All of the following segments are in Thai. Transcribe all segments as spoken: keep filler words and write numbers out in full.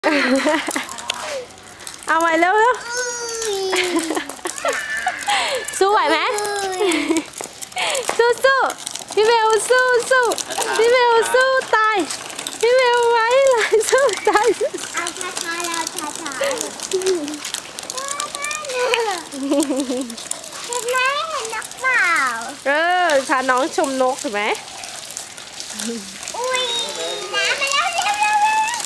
เอาไว้เร็วเร็วสู้ไหวไหมสู้สู้พี่เบลสู้สู้พี่เบลสู้ตายพี่เบลไว้เลยสู้ตายเอาช้าๆแล้วช้าๆเห็นไหมเห็นนกเปล่าเออพาน้องชมนกถูกไหมอุ้ยน้ำมาแล้วเร็วเร็ว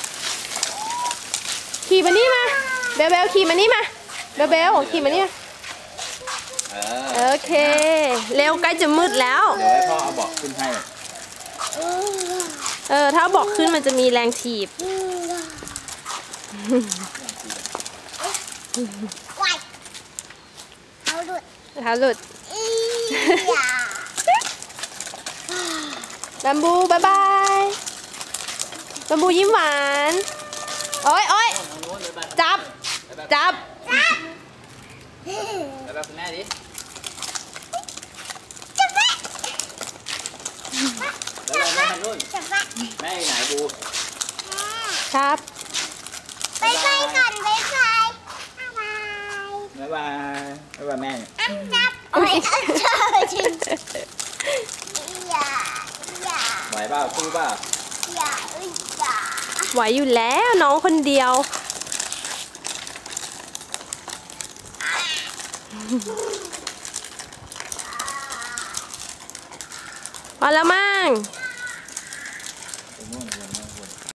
ขี่มานี่มาเบลเบลขี่มานี่มาเบลเบลขี่มานี่มาโอเคเร็วใกล้จะมืดแล้วเดี๋ยวให้พ่อเอาเบาะขึ้นให้เออถ้าเบาะขึ้นมันจะมีแรงถีบเท้าหลุดเท้าหลุดบัมบูบายบายบัมบูยิ้มหวานโอ้ยโอ้ยจับจับไปแบบคุณแม่ดิจับไว้แล้วแม่ทำนู่นจับไว้แม่ไหนบูครับไปไปก่อนไปไปบ๊ายบายบ๊ายบายแม่อันจับโอ้ยอันจับจริงอย่าอย่าไหวเปล่าสู้เปล่าอย่าอย่าไหวอยู่แล้วน้องคนเดียวพอแล้วมั้ง